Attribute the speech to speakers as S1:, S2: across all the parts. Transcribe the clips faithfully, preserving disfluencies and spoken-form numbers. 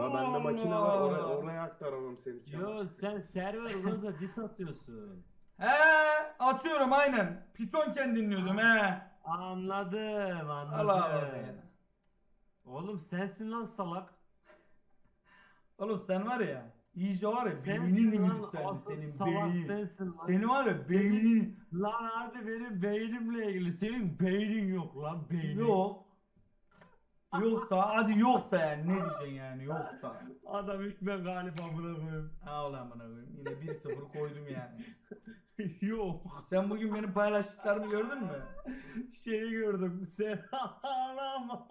S1: Allah
S2: bende
S1: Allah.
S2: makine var oraya, oraya aktaramam seni Kemal.
S1: Yo sen server Rosa dis atıyorsun.
S3: He atıyorum aynen. Pythonken dinliyordum he.
S1: Anladım
S3: Allah Allah
S1: anladım.
S3: ya.
S1: Oğlum sensin lan salak.
S3: Oğlum sen var ya. İyice var ya
S1: Sensin
S3: beynin
S1: lan,
S3: yükseldi
S1: asıl
S3: senin
S1: salak
S3: beynin.
S1: sensin lan.
S3: Seni var ya beynin.
S1: Lan hadi benim beynimle ilgili. Senin beynin yok lan beynin.
S3: Yok. Yoksa hadi yoksa yani ne diyeceksin yani yoksa.
S1: Adam hükmen galip amına koyayım.
S3: Ha ulan bana koyayım. Yine bir sıfır koydum yani.
S1: Yok.
S3: Sen bugün benim paylaştıklarımı gördün mü?
S1: Şeyi gördüm. Sen ağlama.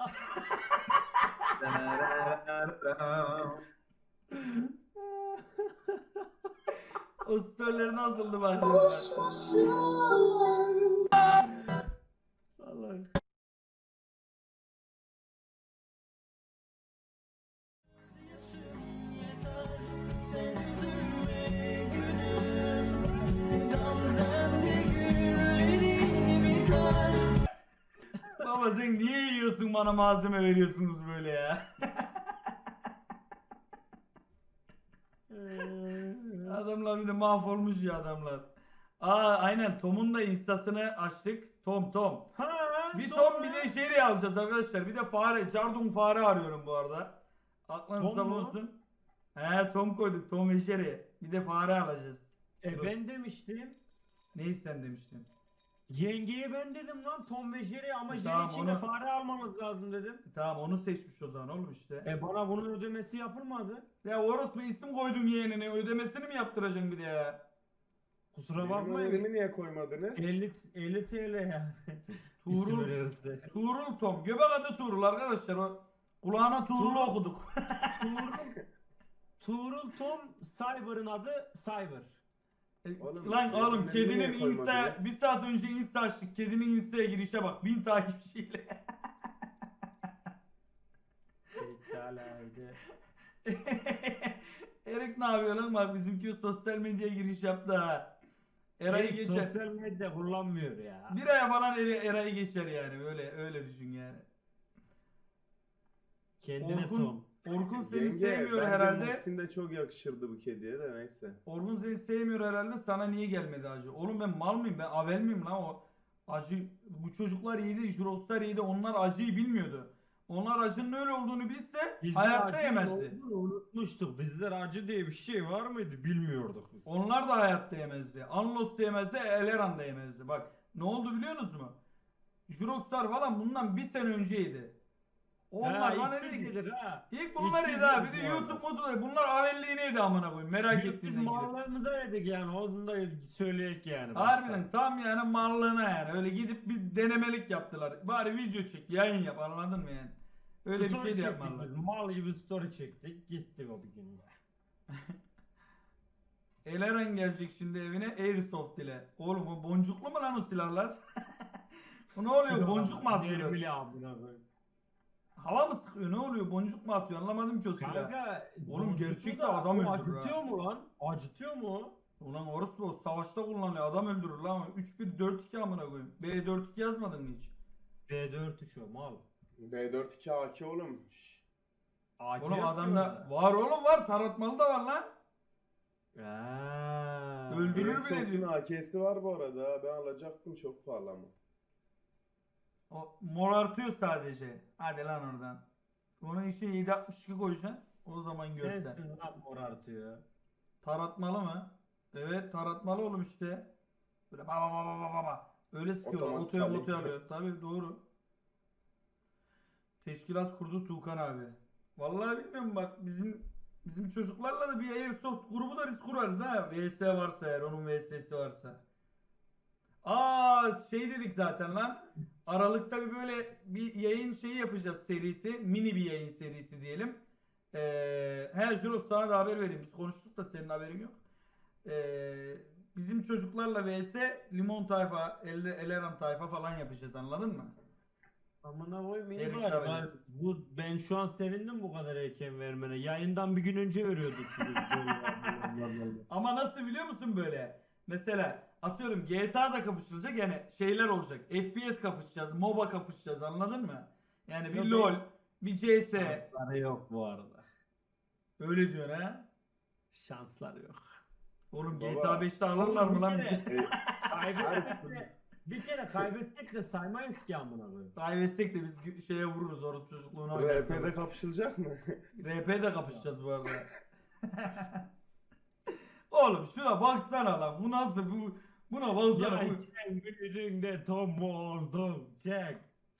S3: O storyleri nasıldı bak.
S1: Salak.
S3: Baba sen niye yiyorsun bana malzeme veriyorsunuz böyle ya? Adamlar bir de mahvolmuş ya adamlar. Aa aynen Tom'un da instasını açtık. Tom Tom.
S1: Ha,
S3: Bir
S1: sonra-
S3: Tom bir de Jerry alacağız arkadaşlar. Bir de fare. Jardun fare arıyorum bu arada. Aklınızda
S1: Tom mu?
S3: bulunsun. He Tom koyduk. Tom ve Jerry. Bir de fare alacağız.
S1: E ben demiştim.
S3: Neyi sen demiştin?
S1: Yengeye ben dedim lan Tom ve Jerry ama Jerry
S3: Tamam,
S1: için de
S3: onu-
S1: fare almamız lazım dedim.
S3: Tamam onu seçmiş o zaman oğlum işte.
S1: E bana bunun ödemesi yapılmadı.
S3: Ya orospu isim koydun yeğenine. Ödemesini mi yaptıracaksın bir de ya?
S1: Kusura
S2: Benim
S1: bakmayın.
S2: ödevimi niye koymadınız?
S1: elli, elli T L yani.
S3: Tuğrul.
S1: İsim veririz de.
S3: Tuğrul Tom. Göbek adı Tuğrul arkadaşlar. O kulağına Tuğrul
S1: Tuğrul.
S3: okuduk.
S1: Tuğrul, Tuğrul Tom, Cyber'ın adı Cyber.
S2: Oğlum,
S3: Lan
S2: benim
S3: oğlum
S2: ödevimi
S3: kedinin
S2: niye
S3: insta
S2: koymadınız?
S3: bir saat önce insta açtık. Kedinin instaya girişe bak. Bin takipçiyle.
S1: Pekala.
S3: Erik ne yapıyor lan bak bizimki sosyal medyaya giriş yaptı ha. Eray'ı
S1: Hey,
S3: geçer.
S1: sosyal medya kullanmıyor ya.
S3: Bir aya falan Er- Eray'ı geçer yani öyle öyle düşün yani.
S1: Kendine
S3: Orkun,
S1: Tom.
S3: Orkun seni
S2: Yenge,
S3: sevmiyor
S2: bence
S3: herhalde.
S2: Muhsin de çok yakışırdı bu kediye de neyse.
S3: Orkun seni sevmiyor herhalde. Sana niye gelmedi acı? Oğlum ben mal mıyım? Ben avel miyim lan o? Acı bu çocuklar iyiydi, Juroslar iyiydi. Onlar acıyı bilmiyordu. Onlar acının öyle olduğunu bilse
S1: Biz
S3: hayatta
S1: acı
S3: yemezdi.
S1: olduğunu unutmuştuk. Bizler acı diye bir şey var mıydı bilmiyorduk biz.
S3: Onlar da hayatta yemezdi. Anlos da yemezdi, Eleran da yemezdi. Bak ne oldu biliyorsunuz mu? Juroxlar falan bundan bir sene önceydi. Onlar
S1: Ha,
S3: bana
S1: ilk
S3: dedi ki
S1: bizdedir ha.
S3: ilk bunlar
S1: İlk
S3: yedi ha. Bir
S1: bizdedir
S3: de
S1: bu
S3: YouTube
S1: arada.
S3: modu bunlar avelliğineydi amına koyayım. Merak
S1: Biz
S3: ettiğinden gidip.
S1: mallığımıza yedik yani. Onu da söyleyek yani. başta.
S3: Harbiden tam yani mallığına yani. Öyle gidip bir denemelik yaptılar. Bari video çek, yayın yap anladın mı yani? Öyle bir
S1: Story
S3: şey de
S1: çektik
S3: yapmadılar.
S1: biz, mal gibi story çektik. Gittik o bir gün.
S3: Eleren gelecek şimdi evine Airsoft ile. Oğlum o boncuklu mu lan o silahlar? Bu ne oluyor? Boncuk mu atıyor?
S1: Nermili abına koyayım.
S3: Hava mı sıkıyor? Ne oluyor? Boncuk mu atıyor? Anlamadım ki o silahı.
S1: Kanka
S3: Oğlum
S1: boncuklu
S3: gerçekte
S1: da
S3: adam
S1: o
S3: öldürür
S1: acıtıyor
S3: ha.
S1: mu lan? Acıtıyor mu?
S3: Ulan orası o savaşta kullanılıyor. Adam öldürür lan. üç bir dört iki amına koyayım. B dört iki yazmadın mı hiç?
S1: B dört üç o mal.
S2: B dört iki A K oğlum. Şşş.
S1: A K
S3: Oğlum
S1: yapıyor
S3: adamda
S1: da.
S3: var oğlum var. Taratmalı da var lan.
S1: Ha.
S3: Öldürür bile
S2: Airsoft'un
S3: diyor.
S2: A K'si var bu arada. Ben alacaktım çok pahalı ama.
S3: O morartıyor sadece. Hadi lan oradan. Onun için yedi altmış iki koyacaksın. O zaman görsen.
S1: Sensin lan morartıyor.
S3: Taratmalı mı? Evet taratmalı oğlum işte. Böyle baba baba baba baba. Öyle sıkıyorlar.
S2: Otomatik
S3: Otoya
S2: tabii.
S3: motoya alıyor. Tabii doğru. Teşkilat kurdu Tuğkan abi. Vallahi bilmiyorum bak bizim bizim çocuklarla da bir Airsoft grubu da biz kurarız ha. V S varsa eğer onun V S'si varsa. Aa şey dedik zaten lan. Aralıkta bir böyle bir yayın şeyi yapacağız serisi. Mini bir yayın serisi diyelim. Ee, he Juros sana da haber vereyim. Biz konuştuk da senin haberin yok. Ee, bizim çocuklarla vs Limon tayfa, El Eleran tayfa falan yapacağız anladın mı?
S1: Amına koyayım iyi
S3: Erik
S1: bari.
S3: tabii.
S1: Ben, bu, ben şu an sevindim bu kadar erken vermene. Yayından bir gün önce veriyorduk. çünkü.
S3: Ama nasıl biliyor musun böyle? Mesela atıyorum G T A'da kapışılacak yani şeyler olacak. F P S kapışacağız, MOBA kapışacağız anladın mı? Yani bir
S1: Yok,
S3: LoL,
S1: ben-
S3: bir C S.
S1: Şansları yok bu arada.
S3: Öyle diyorsun ha?
S1: Şansları yok.
S3: Oğlum
S2: Baba.
S3: G T A beşte alırlar mı lan
S1: Bir
S3: bizi?
S1: kere
S2: E,
S1: kaybetsek de, bir kere kaybetsek de saymayız ki amına koyayım.
S3: Kaybetsek de biz gü- şeye vururuz orası çocukluğuna.
S2: R P'de kapışılacak mı?
S3: R P'de kapışacağız bu arada. Oğlum şuna baksana lan. Bu nasıl bu? Buna baksana
S1: Ya
S3: bu.
S1: sen gücünde Tom mu oldun? Çek.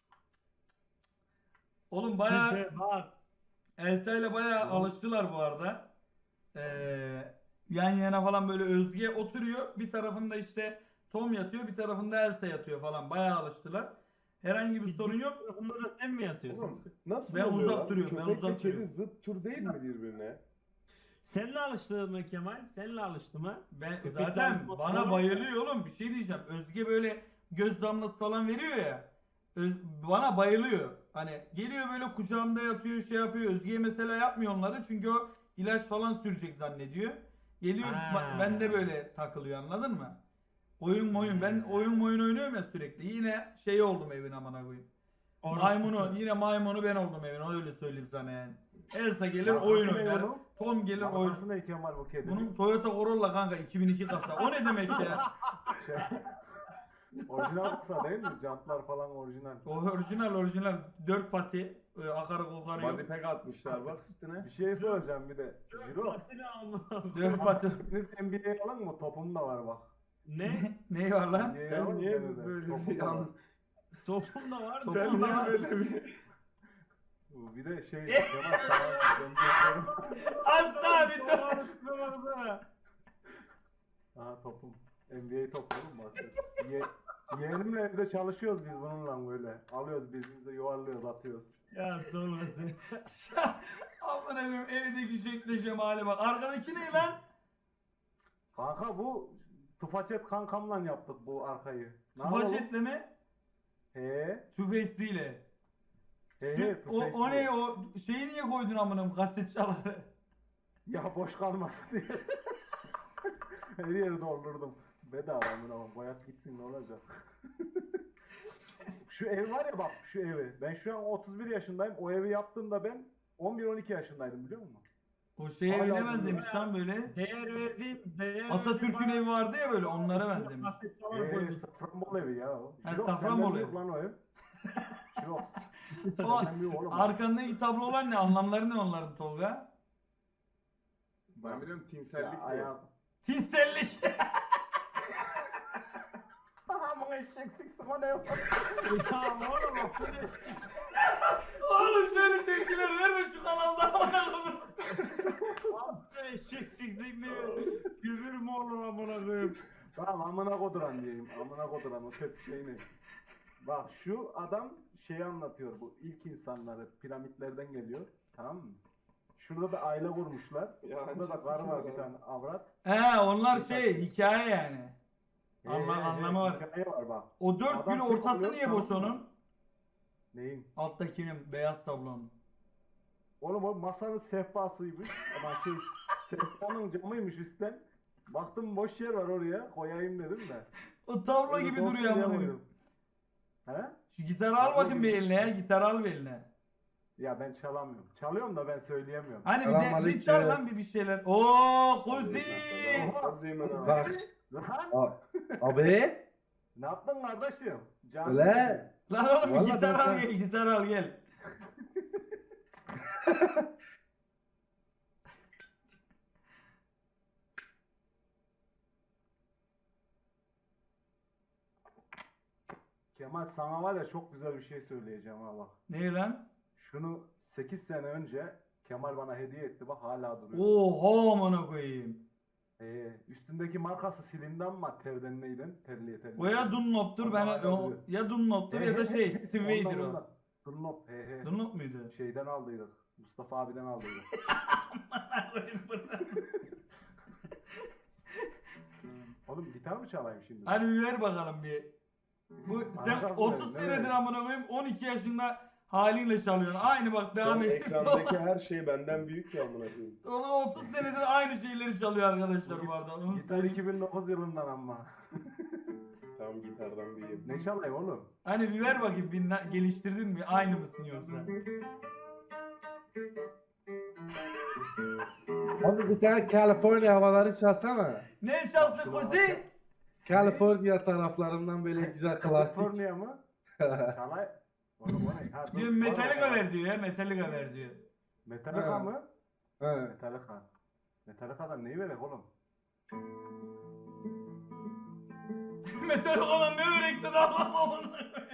S3: Oğlum bayağı
S1: Tipe bak.
S3: Elsa ile bayağı alıştılar bu arada. Ee, yan yana falan böyle Özge oturuyor. Bir tarafında işte Tom yatıyor, bir tarafında Elsa yatıyor falan. Bayağı alıştılar. Herhangi bir sorun yok.
S1: Bunda da sen mi yatıyorsun?
S2: Oğlum nasıl
S3: Ben
S2: oluyor
S3: uzak
S2: lan?
S3: duruyorum, ben
S2: Köpekle
S3: uzak
S2: kedi
S3: duruyorum.
S2: zıt tür değil mi birbirine?
S1: Seninle alıştın mı Kemal? Seninle alıştı mı?
S3: Ben
S1: Köpek
S3: zaten
S1: yalnız
S3: bana
S1: bakıyor.
S3: bayılıyor oğlum. Bir şey diyeceğim. Özge böyle göz damlası falan veriyor ya. Öz- bana bayılıyor. Hani geliyor böyle kucağımda yatıyor, şey yapıyor. Özge'ye mesela yapmıyor onları çünkü o ilaç falan sürecek zannediyor. Geliyor
S1: Ha.
S3: ba- ben de böyle takılıyor, anladın mı? Oyun oyun ben
S1: Hmm.
S3: oyun oyun oynuyorum ya sürekli. Yine şey oldum evin amına koyayım.
S1: Orası-
S3: Maymunu yine maymunu ben oldum evin. Öyle söyleyeyim sana yani. Elsa gelir
S4: Markası
S3: oyun
S4: ne
S3: oynar.
S4: oğlum?
S3: Tom gelir oyun.
S4: Markası ne Kemal bu kedinin?
S3: Bunun Toyota Corolla kanka iki bin iki kasa. O ne demek ya?
S4: Şey, orijinal kısa değil mi? Jantlar falan orijinal.
S3: O orijinal orijinal dört pati e, akarı kokarı yok.
S2: Body pack atmışlar bak üstüne.
S4: Bir şey soracağım bir de. Jiro.
S1: Nasıl almam?
S3: Dört pati.
S4: N B A alın mı? Topum da var bak.
S1: Ne?
S3: Ne var lan?
S4: N B A
S2: Sen
S4: alın mı
S2: niye
S4: gene de?
S2: böyle
S4: Topum
S2: bir
S4: da var.
S2: an...
S1: Topum da var.
S3: Topum
S2: Sen
S1: topum da
S2: niye
S1: var.
S2: böyle bir...
S4: Bu Bir de şey Kemal sana ben diyorum.
S3: Asla bir
S1: Topum
S3: top.
S1: var burada.
S4: Aha topum. N B A topu oğlum basket. Ye Yeğenimle evde çalışıyoruz biz bununla böyle. Alıyoruz birbirimize yuvarlıyoruz atıyoruz.
S1: Ya sonrası.
S3: Aman efendim evdeki şekle şemale bak. Arkadaki ne lan?
S4: Kanka bu Tufaçet kankamla yaptık bu arkayı. Ne yapalım?
S3: Tufacetle mi?
S4: He.
S3: Two-Face'li ile.
S4: He
S3: Şu-
S4: he
S3: o, o
S4: Two-Face'li.
S3: ne o şeyi niye koydun amınım kaset çaları?
S4: Ya boş kalmasın diye. Her yeri doldurdum. Bedava amına koyayım. Boyat gitsin ne olacak? Şu ev var ya bak şu evi. Ben şu an otuz bir yaşındayım. O evi yaptığımda ben on bir on iki yaşındaydım biliyor musun?
S3: O şeye
S4: Hala
S3: evine
S4: bunu-
S3: benzemiş lan böyle.
S1: Değer verdiğim, değer
S3: Atatürk'ün
S1: verdiğim-
S3: evi vardı ya böyle onlara benzemiş.
S1: Kasetçalar
S4: Eee
S1: koydum.
S4: Safranbolu evi ya o.
S3: Ha,
S4: Jirox,
S3: Safranbolu
S4: senden
S3: evi.
S4: büyük lan o ev. Jirox.
S3: O
S4: Senden büyük oğlum.
S3: arkandaki tablolar ne? Anlamları ne onların Tolga?
S2: Ben biliyorum tinsellik
S4: Ya
S2: bu.
S4: ayağım.
S3: Tinsellik.
S4: Aman eşeksiksin o ne yok.
S1: Ya oğlum o ne?
S3: Oğlum şöyle tepkiler verme şu kanalda amına koyayım.
S1: Abi eşek siktik diyor. Küfür mü olur amına koyayım?
S4: Tamam amına koduran diyeyim. Amına koduran o tep şey ne? Bak şu adam şeyi anlatıyor bu ilk insanları piramitlerden geliyor. Tamam mı? Şurada da aile kurmuşlar.
S2: Ya,
S4: Burada da
S2: annesi
S4: karı var
S2: kim
S4: bir
S2: ya?
S4: tane avrat.
S3: He onlar şey hikaye yani. Anla-
S4: Ee,
S3: anlamı var.
S4: Hikaye var bak.
S3: O dört
S4: Adam
S3: gül
S4: tek
S3: ortası
S4: oluyor,
S3: niye boş
S4: tamam mı?
S3: onun?
S4: Neyin?
S3: Alttakinin beyaz tablonun.
S4: Oğlum o masanın sehpasıymış. Ama şey sehpanın camıymış üstten. Baktım boş yer var oraya koyayım dedim de.
S3: O tablo
S4: Öyle
S3: gibi
S4: olsun
S3: duruyor
S4: diye
S3: amına
S4: koydum.
S3: koyayım.
S4: He?
S3: Şu gitarı al
S4: Tablo
S3: bakayım bir
S4: gibi.
S3: eline ya. Gitarı al bir eline.
S4: Ya ben çalamıyorum. Çalıyorum da ben söyleyemiyorum.
S3: Hani bir de bir
S5: Selamünaleyküm.
S3: çal lan bir bir şeyler. Oo kuzi.
S2: Hadi hemen abi.
S5: Bak
S4: Lan
S5: a- abi
S4: ne yaptın kardeşim? Can
S5: öyle
S3: Lan oğlum bir
S5: Vallahi
S3: gitar
S5: ben
S3: al
S5: sen-
S3: gel, gitar al gel.
S4: Kemal sana var ya çok güzel bir şey söyleyeceğim ha bak.
S3: Ne lan?
S4: Şunu sekiz sene önce Kemal bana hediye etti bak hala duruyor.
S3: Oha amına koyayım.
S4: Ee, üstündeki markası silindi ama terden neyden? Terliye terliye.
S3: O ya Dunlop'tur ben
S4: Hala
S3: o,
S4: duruyor.
S3: ya Dunlop'tur ya da şey Stevie'dir
S4: Ondan,
S3: o.
S4: ondan. Dunlop he he.
S3: Dunlop muydu?
S4: Şeyden aldıydık. Mustafa abiden aldıydık. Oğlum gitar mı çalayım şimdi?
S3: Hadi bir ver bakalım bir. Bu sen
S4: Arkas mı
S3: otuz
S4: verin, ne
S3: senedir
S4: verin?
S3: amına koyayım on iki yaşında halinle çalıyorsun. Aynı bak
S2: Şu
S3: devam
S2: an
S3: et.
S2: ekrandaki her şey benden büyük ya amına koyayım.
S3: Onu otuz senedir aynı şeyleri çalıyor arkadaşlar bu arada. Onu
S4: Gitar
S3: söyleyeyim.
S4: iki bin dokuz yılından ama.
S2: Tamam gitardan bir yiyeyim.
S4: Ne çalayım oğlum?
S3: Hani bir ver bakayım bir na- geliştirdin mi? Aynı mısın yoksa?
S5: Abi bir tane California havaları çalsana.
S3: Ne çalsın Kuzi?
S5: California taraflarından böyle güzel klasik.
S4: California mı? Çalay. Oğlum o ne? Ha, dur.
S3: Diyor Metallica ver diyor ya Metallica ver diyor.
S4: Metallica
S5: Ha.
S4: mı?
S5: He.
S4: Metallica. Metallica'dan neyi verek oğlum?
S3: Metallica'dan ne öğretti de Allah'ım onu.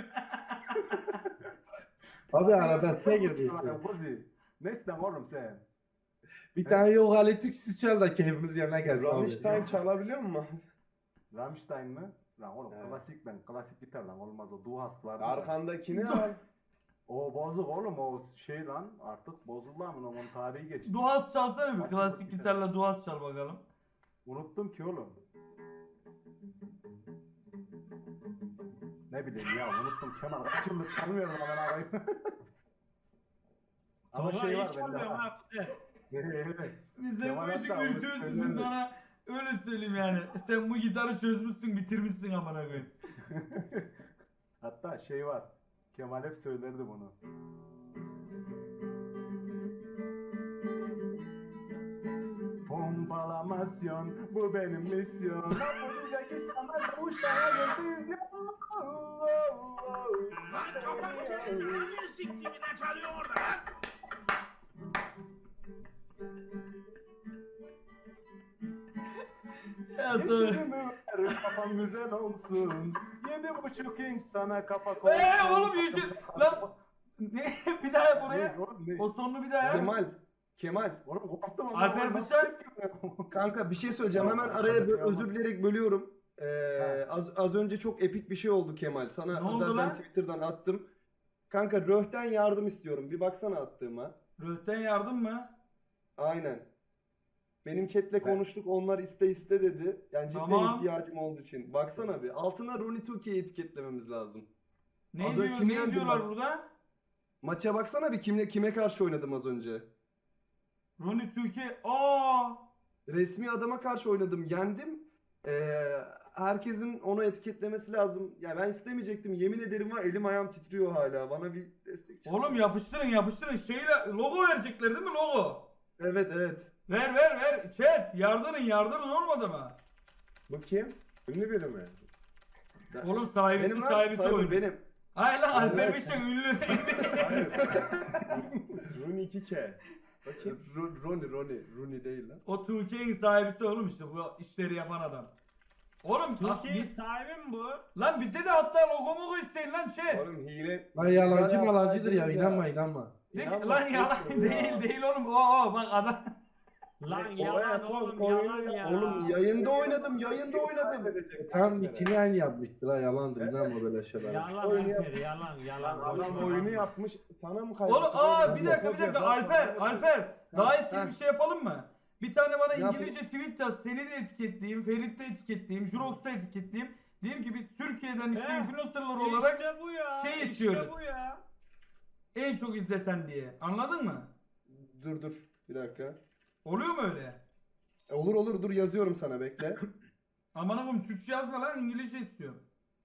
S5: Abi arada sen
S4: Nasıl
S5: girdi
S4: çalayım
S5: işte.
S4: Kuzi? Ne istiyorsun oğlum sen?
S5: Bir tane yok halitük çal da keyfimiz yerine gelsin abi.
S2: Rammstein çalabiliyor musun?
S4: Rammstein mi? Lan oğlum
S2: Evet.
S4: klasik ben. Klasik gitar lan olmaz o. Du Hast var.
S2: Arkandakini al.
S4: O bozuk oğlum o şey lan artık bozuldu ama onun tarihi geçti.
S3: Duas çalsana bir
S4: Bak,
S3: klasik
S4: bak,
S3: gitarla Duas çal bakalım.
S4: Unuttum ki oğlum. Ne bileyim ya unuttum Kemal. Kaç yıldır çalmıyorum hemen arayı. Ama
S1: Tolga
S4: şey
S1: iyi
S4: var bende.
S1: çalmıyor
S4: ha.
S1: ha. Evet.
S4: Evet.
S3: Biz de
S4: Kemal
S3: bu işi
S4: hatta onu
S3: virtüözüsün
S4: söylerdi.
S3: sana öyle söyleyeyim yani. Sen bu gitarı çözmüşsün bitirmişsin amına koyayım.
S4: Hatta şey var. Kemal hep söylerdi bunu. Pompalamasyon bu benim misyon. Yapılacak istemez uçtan hazır vizyon.
S3: Ya dur.
S4: Yeşilimi ver kafam güzel olsun. Yedi buçuk inç sana kapak olsun.
S3: Eee oğlum yeşil. Lan ne bir daha yap oraya.
S4: Ne oğlum ne?
S3: O sonunu bir daha yap.
S6: Kemal, Kemal.
S4: Oğlum korktum ama.
S3: Alper
S4: Nasıl
S3: Bıçak.
S4: tepki veriyorum?
S6: Kanka bir şey söyleyeceğim.
S4: Tamam,
S6: Hemen araya
S4: tabii,
S6: bö- özür
S4: tamam.
S6: dileyerek bölüyorum. Ee,
S4: Ha.
S6: az, az önce çok epik bir şey oldu Kemal. Sana
S3: Ne oldu
S6: zaten
S3: lan?
S6: Twitter'dan attım. Kanka Röh'ten yardım istiyorum. Bir baksana attığıma.
S3: Röhten yardım mı?
S6: Aynen. Benim chatle konuştuk. Onlar iste iste dedi. Yani cidden
S3: Tamam.
S6: ihtiyacım olduğu için. Baksana bir. Altına Ronnie Tuki'yi etiketlememiz lazım.
S3: Ne
S6: Az önce
S3: diyor,
S6: kimi
S3: ne
S6: yendim
S3: diyorlar
S6: bak?
S3: burada?
S6: Maça baksana bir kimle kime karşı oynadım az önce.
S3: Ronnie Türkiye. Aa!
S6: Resmi adama karşı oynadım. Yendim. Ee, herkesin onu etiketlemesi lazım. Ya ben istemeyecektim. Yemin ederim var elim ayağım titriyor hala. Bana bir destek çıksın.
S3: Oğlum yapıştırın yapıştırın. Şeyle logo verecekler değil mi logo?
S6: Evet evet.
S3: Ver ver ver. Chat yardırın yardırın olmadı mı?
S2: Bu kim? Ünlü biri mi?
S3: Oğlum sahibisi
S6: Benim lan,
S3: sahibisi
S6: sahibi
S3: oyunu.
S6: benim.
S3: Hayır lan Alper
S6: Evet.
S3: Beşen ünlü.
S2: Hayır. Rune iki K. Bakayım.
S6: Ro- Ronnie Ronnie. Ronnie değil lan.
S3: O Türkiye'nin sahibisi oğlum işte bu işleri yapan adam. Oğlum ha,
S1: Türkiye'nin
S3: biz,
S1: sahibi mi bu?
S3: lan bize de hatta logo mogo isteyin lan chat.
S2: Oğlum hile.
S5: Lan yalancı
S2: Güzel
S5: malancıdır ya
S2: yapsaydınız
S5: inanma inanma.
S3: De ki,
S2: İnanma,
S3: lan yalan
S2: korktum ya.
S3: değil değil oğlum. Oo, oo bak adam.
S1: Lan
S2: Oraya
S1: yalan
S2: koy,
S1: oğlum
S2: koy,
S1: yalan
S2: oyunu
S1: ya.
S2: yap.
S6: Oğlum yayında oynadım. Yayında oynadım.
S5: E, Tam ikini aynı yapmıştır ha yalandır inanma böyle şeyler.
S1: Yalan
S2: Oyunu
S1: Alper yalan yalan.
S2: Lan adam
S1: Boş ver.
S2: oyunu yapmış. Sana mı
S3: Oğlum
S2: kaybedecek?
S3: aa bir dakika bir dakika Alper Alper daha
S6: Ha,
S3: etkili
S6: ha.
S3: bir şey yapalım mı? Bir tane bana
S6: Ne
S3: İngilizce tweet yaz, seni de etiketleyeyim, Ferit de etiketleyeyim, Jurox'u da etiketleyeyim. Diyeyim ki biz Türkiye'den işte
S1: He,
S3: influencerlar olarak
S1: İşte bu ya.
S3: şey
S1: işte
S3: istiyoruz.
S1: bu ya.
S3: en çok izleten diye. Anladın mı?
S6: Dur dur. Bir dakika.
S3: Oluyor mu öyle?
S6: E, Olur olur dur yazıyorum sana bekle.
S3: Aman oğlum Türkçe yazma lan İngilizce istiyorum.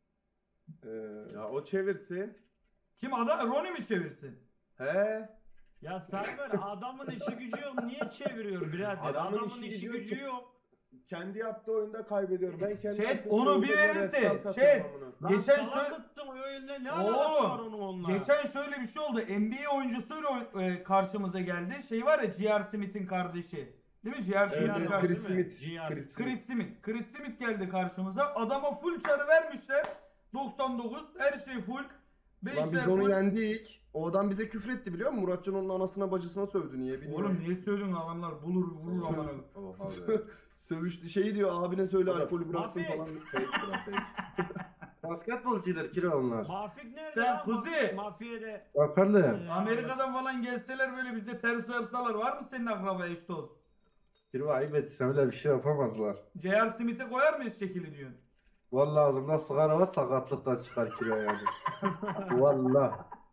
S6: Ee,
S2: Ya o çevirsin.
S3: Kim adam Ronnie mi çevirsin?
S2: He.
S1: Ya Server adamın işi gücü yok niye çeviriyor birader?
S2: Adamın
S1: Adamın,
S2: işi
S1: işi
S2: gücü
S1: gücü
S2: yok.
S1: yok.
S2: Kendi yaptığı oyunda kaybediyor. Ben kendi
S3: Chat,
S2: yaptığım
S3: onu
S2: oyunda
S3: bir
S2: böyle
S3: verirse,
S2: restart atıyorum
S3: chat.
S2: amına.
S1: Lan
S3: Geçen
S1: salak
S3: şöyle-
S1: mısın o öyle ne alakası var onun
S3: Oğlum
S1: onunla?
S3: geçen şöyle bir şey oldu. N B A oyuncusuyla oy- e, karşımıza geldi. Şey var ya J R. Smith'in kardeşi. Değil mi? J R.
S6: Evet,
S3: Smith'in
S6: evet,
S3: kardeşi.
S6: Chris
S1: değil mi?
S6: Smith.
S1: G R.
S6: Chris Smith.
S3: Chris Smith. Chris Smith geldi karşımıza. Adama full çarı vermişler. doksan dokuz. Her şey full.
S6: Lan
S3: Beşler
S6: biz onu
S3: full.
S6: yendik. O adam bize küfretti biliyor musun? Muratcan onun anasına bacısına sövdü niye bilmiyorum.
S3: Oğlum niye söylüyorsun adamlar bulur vurur amına.
S2: Oha be.
S6: Sövüştü şey diyor abine söyle
S2: O da-
S6: alkolü bıraksın
S1: Mafik.
S6: falan.
S2: Fake bro, fake.
S5: Basketbolcudur kira onlar.
S1: Mafik nerede
S3: Sen
S1: ya?
S3: Kuzi.
S1: Mafik- Mafiyede.
S5: Efendim.
S3: Amerika'dan falan gelseler böyle bize ters yapsalar var mı senin akraba eş dost?
S5: Kira ayıp etsen öyle bir şey yapamazlar.
S3: J R. Smith'e koyar mıyız şekili diyorsun?
S5: Vallahi ağzımda sigara var sakatlıktan çıkar kira yani. Vallahi.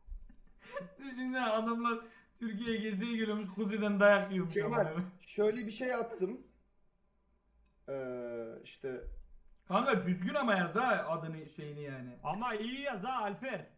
S3: Düşünsene adamlar Türkiye'ye geziye geliyormuş Kuzi'den dayak yiyormuş.
S6: Kemal
S3: amına.
S6: şöyle bir şey attım. Ee, işte
S3: Kanka düzgün ama yaz ha adını şeyini yani.
S1: Ama iyi yaz ha Alper.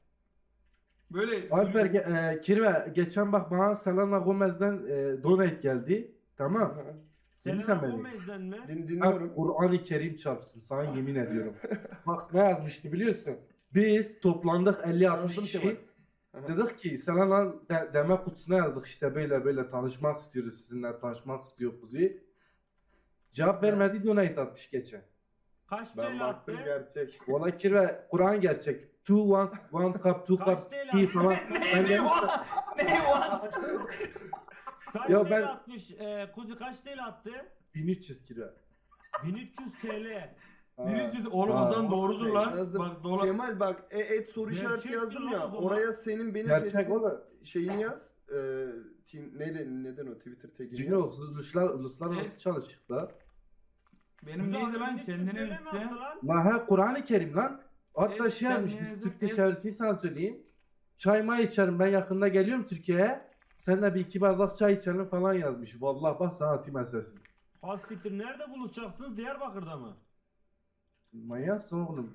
S3: Böyle
S5: Alper ge- e, Kirve geçen bak bana Selena Gomez'den e, donate geldi. Tamam.
S6: Aha.
S5: Şimdi
S1: Selena
S5: sen beni.
S1: Gomez'den mi?
S6: Din,
S5: Ha,
S6: dinliyorum.
S5: Kur'an-ı Kerim çarpsın sana yemin ediyorum. Bak ne yazmıştı biliyorsun? Biz toplandık elli altmış
S6: Yazdım
S5: kişi.
S6: Kemal. Aha.
S5: Dedik ki Selena de, deme kutusuna yazdık işte böyle böyle tanışmak istiyoruz sizinle tanışmak istiyor kuzuyu. Cevap vermedi donate atmış geçen.
S1: Kaç
S2: Ben
S1: TL
S2: baktım
S1: attı?
S2: gerçek.
S5: Valla kirve Kur'an gerçek. Two one one cup two
S1: Kaç
S5: cup
S1: TL
S5: tea
S1: attı?
S5: falan.
S3: Ne
S5: Ben
S3: ne
S5: demiştim.
S3: var? Ne var?
S1: Kaç
S5: Ya
S1: TL
S5: ben-
S1: atmış? E, kuzu kaç TL attı?
S5: bin üç yüz kirve.
S1: bin üç yüz TL.
S5: Ha.
S3: bin üç yüz oğlum
S5: Ha.
S3: o zaman doğrudur lan.
S6: Yazdım.
S3: Bak dolar.
S6: Kemal bak e, et soru
S1: Gerçek
S6: işareti yazdım
S1: mi
S6: ya.
S1: lan o zaman?
S6: Oraya senin benim
S5: Gerçek
S6: Ferit'in
S5: o da.
S6: şeyini yaz. Ee, team, neden, neden o Twitter tagini
S5: Cino
S6: yaz.
S5: uluslar, uluslararası
S3: E?
S5: çalışıklar.
S3: Benim
S1: Kuzu
S3: neydi
S1: abi
S3: lan
S1: bin üç yüz
S3: kendine
S1: TL mi
S3: üstte?
S1: attı lan?
S5: La ha Kur'an-ı Kerim lan. Hatta
S3: Evet,
S5: şey
S3: ben
S5: yazmış
S3: ne
S5: biz
S3: yazdım?
S5: Türkçe
S3: Evet.
S5: çevirisini sana söyleyeyim. Çay may içerim ben yakında geliyorum Türkiye'ye. Seninle bir iki bardak çay içelim falan yazmış. Vallahi bak sana atayım sesini.
S1: Hastiktir nerede buluşacaksınız? Diyarbakır'da mı?
S5: Manyaksın oğlum.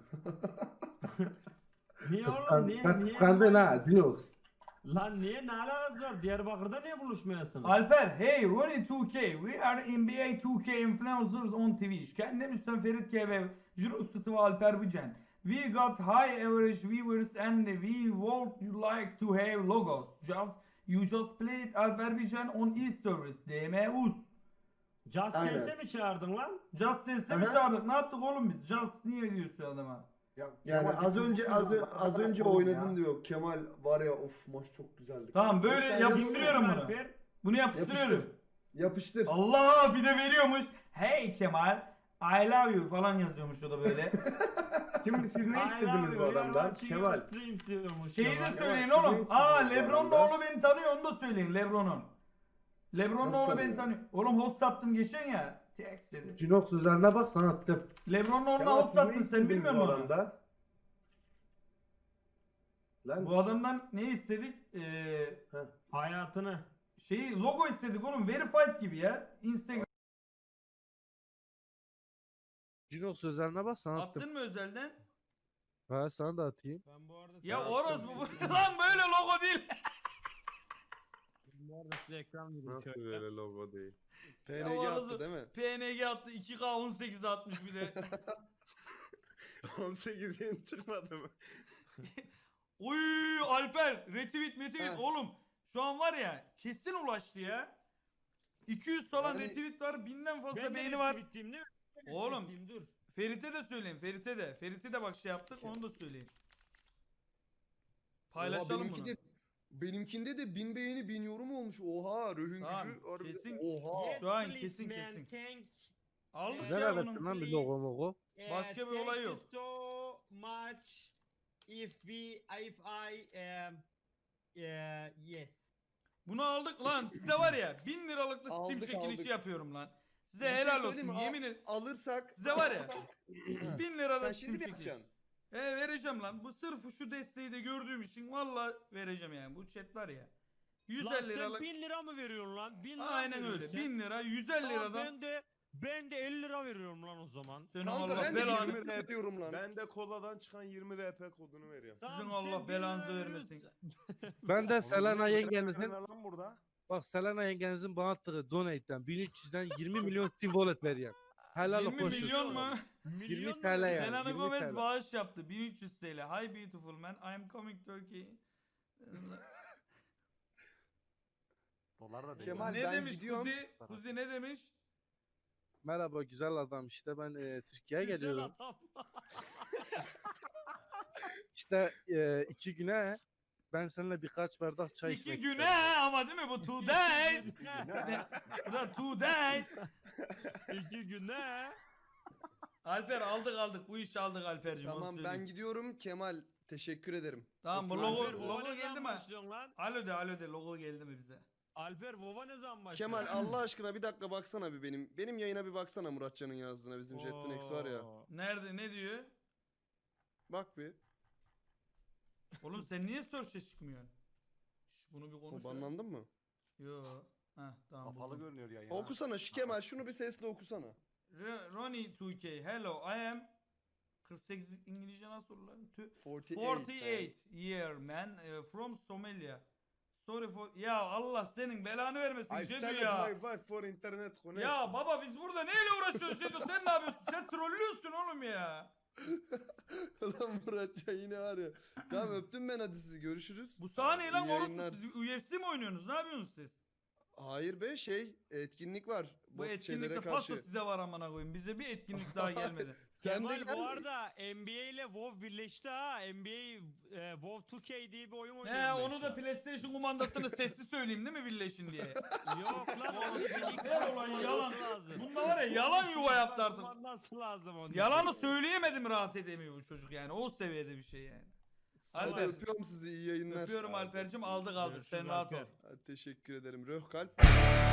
S1: Niye oğlum?
S5: Kıskan-
S1: Niye?
S5: Sen
S1: Niye?
S5: kıskandın ha Dinox.
S1: Lan niye? Ne alakası var? Diyarbakır'da niye buluşmayasınız?
S3: Alper, hey Ronnie two K, we are N B A two K influencers on Twitch. Kendine Müslüm Ferit K ve Jiro Ustası ve Alper Bican. We got high average viewers and we would like to have logos. Just you just played Alper Bican on e-service. D M U S.
S1: Just
S6: Aynen.
S1: Dance'e mi çağırdın lan?
S3: Just Dance'e mi
S6: Aha.
S3: çağırdık? Ne yaptık oğlum biz? Just niye diyorsun adama?
S4: Ya,
S6: Yani
S4: Kemal,
S6: az
S4: bizim
S6: önce
S4: kızı
S6: az, ö-
S4: bak-
S6: az önce
S4: oğlum
S6: oynadın
S4: ya.
S6: diyor. Kemal var ya of maç çok güzeldi.
S3: Tamam böyle
S6: Sen
S3: yapıştırıyorum bunu.
S1: Alper.
S3: Bunu yapıştırıyorum.
S6: Yapıştır. Yapıştır.
S3: Allah bir de veriyormuş. Hey Kemal, I love you falan yazıyormuş o da böyle.
S2: Şimdi siz ne
S1: I
S2: istediniz
S1: love
S2: bu
S1: you,
S2: adamdan?
S1: watching
S2: Kemal.
S1: your streams diyormuş
S3: Şeyi
S1: Kemal.
S3: de söyleyin
S2: Kemal,
S3: oğlum.
S2: kimin
S3: Aa
S2: istediğiniz bu
S3: Lebron'un
S2: arada?
S3: oğlu beni tanıyor onu da söyleyin Lebron'un. Lebron'un
S6: Nasıl
S3: oğlu beni
S6: tanıyor?
S3: tanıyor. Oğlum host attım geçen ya. Text dedim.
S5: Dinox üzerine bak sana attım.
S3: Lebron'un oğluna
S2: Kemal,
S3: host
S2: siz ne
S3: attın sen
S2: istediniz
S3: bilmiyor
S2: bu
S3: musun onu?
S2: adamdan? Lan
S3: Bu adamdan ne istedik? Ee,
S1: Hayatını.
S3: şeyi logo istedik oğlum. Verified gibi ya. Instagram.
S5: Dinox üzerine bak sana attım.
S3: Attın mı özelden?
S5: Ha sana da atayım.
S1: Ben bu arada
S3: Ya
S1: size-
S3: Oros bu. bu- Lan böyle logo değil.
S1: Bu arada size ekran vereyim
S2: nasıl
S1: şöyle.
S2: böyle logo değil?
S6: P N
S3: Ya
S6: G
S3: orası-
S6: attı değil mi?
S3: P N G attı. iki K on sekiz atmış bir de.
S2: on sekiz yeni çıkmadı mı?
S3: Uy Alper retweet retweet
S6: Ha.
S3: oğlum şu an var ya kesin ulaştı ya. iki yüz falan
S6: Yani-
S3: retweet var binden fazla
S1: Ben de
S3: beğeni var.
S1: bittiğim değil mi? Ben de
S3: Oğlum.
S1: bittiğim, dur.
S3: Ferit'e de söyleyin Ferit'e de. Ferit'e de bak şey yaptık onu da söyleyin.
S6: Oha,
S3: Paylaşalım
S6: benimki
S3: bunu.
S6: de, benimkinde de bin beğeni bin yorum olmuş. Oha röhün
S3: Tamam,
S6: gücü. harbiden-
S3: kesin.
S6: Oha.
S1: Yes,
S3: Şu an
S1: please,
S3: kesin,
S1: man,
S3: kesin.
S1: thank-
S3: Aldık
S1: Güzel
S3: ya
S1: evet,
S3: bunun.
S1: lan bir logo
S5: logo.
S1: Eh,
S3: Başka bir
S1: thank
S3: olay
S1: you
S3: yok.
S1: so much if we if I um, uh, yes.
S3: Bunu aldık lan size var ya bin liralık da Steam
S6: Aldık,
S3: çekilişi
S6: aldık.
S3: yapıyorum lan. Size
S6: Bir şey
S3: helal
S6: söyleyeyim
S3: olsun
S6: mi? Al-
S3: yemin ederim.
S6: Alırsak.
S3: Size var ya bin lira da
S6: Sen
S3: Steam
S6: şimdi mi
S3: çekilişi.
S6: yapacaksın?
S3: He vereceğim lan. Bu sırf şu desteği de gördüğüm için valla vereceğim yani. Bu chat var ya. yüz
S1: Lan
S3: elli
S1: sen
S3: liralık.
S1: bin lira mı veriyorsun lan? bin lira mı
S3: Aynen
S1: veriyorsun
S3: öyle.
S1: sen?
S3: bin lira yüz elli
S1: Tamam,
S3: liradan.
S1: Ben de ben de elli lira veriyorum lan o zaman.
S3: Senin
S6: Kanka
S3: Allah
S6: ben de
S3: belanı.
S6: yirmi lira yapıyorum lan.
S2: Ben de koladan çıkan yirmi R P kodunu veriyorum.
S1: Tamam,
S3: Sizin
S1: sen
S3: Allah
S1: bin
S3: belanızı
S1: lira
S3: vermesin.
S1: veriyorsun.
S5: Ben de Selena yengenizin
S2: Ne lan burada?
S5: bak Selena yengenizin bana attığı donate'den bin üç yüzden yirmi milyon Steam Wallet vereyim. Helal
S3: yirmi
S5: olsun.
S3: milyon mu?
S1: Milyon mu
S5: T L yani.
S1: veriyorsun?
S3: Selena
S5: yirmi
S3: Gomez
S5: T L.
S3: bağış yaptı. bin üç yüz T L. Hi beautiful man. I'm coming Turkey.
S4: Dolar da değil.
S6: Kemal,
S3: ne
S6: ben
S3: demiş
S6: gidiyorum.
S3: Kuzi? Kuzi ne demiş?
S5: Merhaba güzel adam işte ben e, Türkiye'ye
S1: Güzel
S5: geliyorum.
S1: adam.
S5: İşte e, iki güne ben seninle birkaç bardak çay
S3: İki
S5: içmek
S3: güne
S5: isterim.
S3: ama değil mi bu two days? Bu da two days.
S1: İki güne.
S3: Alper aldık aldık bu işi aldık Alper'cim. onu
S6: Tamam ben
S3: söyleyeyim.
S6: gidiyorum. Kemal teşekkür ederim.
S3: Tamam bu
S6: Alper,
S3: logo,
S1: Alper, Vova
S3: logo
S1: ne
S3: geldi
S1: zaman
S3: mi?
S1: başlıyorsun lan?
S3: Alo de alo de logo geldi mi bize?
S1: Alper Vova ne zaman başlıyor?
S6: Kemal Allah aşkına bir dakika baksana bir benim. Benim yayına bir baksana Muratcan'ın yazdığına bizim Jetpanex var ya.
S1: Oo.
S3: Nerede ne diyor?
S6: Bak bir.
S3: Oğlum sen niye search'e çıkmıyorsun? Şş, bunu bir
S6: O
S3: konuş.
S6: banlandın mı?
S3: Yo. Heh tamam.
S4: Kapalı
S3: buldum.
S4: görünüyor ya. ya.
S6: Okusana şu Kemal şunu bir sesle okusana.
S3: R- Ronnie two K. Hello I am kırk sekiz İngilizce nasıl olur lan? Tü-
S6: kırk sekiz.
S3: forty-eight year man uh, from Somalia. Sorry for... Ya Allah senin belanı vermesin
S2: I
S3: Jedu
S2: sell
S3: ya.
S2: my wife for internet connection.
S3: Ya baba biz burada neyle uğraşıyoruz Jedu? Sen ne yapıyorsun? Sen trollüyorsun oğlum ya.
S6: Lan Muratcan yine var ya. Tamam öptüm ben hadi sizi görüşürüz.
S3: Bu sahne lan
S6: İyi
S3: orası
S6: yayınlar.
S3: siz U F C mi oynuyorsunuz? Ne yapıyorsunuz siz?
S6: Hayır be şey etkinlik var.
S3: Bu
S6: Bot
S3: etkinlikte
S6: şeylere
S3: paso size var amına koyayım. Bize bir etkinlik daha gelmedi.
S6: Sen de
S1: Kemal
S6: gel.
S1: bu arada N B A ile WoW birleşti ha. N B A e, WoW iki K diye bir oyun oynuyorum.
S3: He
S1: ben
S3: onu
S1: şu
S3: da
S1: an.
S3: PlayStation kumandasını sesli söyleyeyim değil mi birleşin diye.
S1: Yok lan onun için ilk
S3: Ver ulan yalan.
S1: lazım.
S3: Bunda var ya yalan yuva yaptı artık.
S1: Nasıl lazım onun
S3: Yalanı
S1: için.
S3: söyleyemedim rahat edemiyor bu çocuk yani. O seviyede bir şey yani.
S6: Hadi
S3: Alper.
S6: öpüyorum sizi iyi yayınlar.
S3: Öpüyorum Alper'cim aldık aldık
S1: Görüşürüz
S3: sen rahat ol.
S1: Alper.
S6: Hadi, teşekkür ederim. Röh kalp.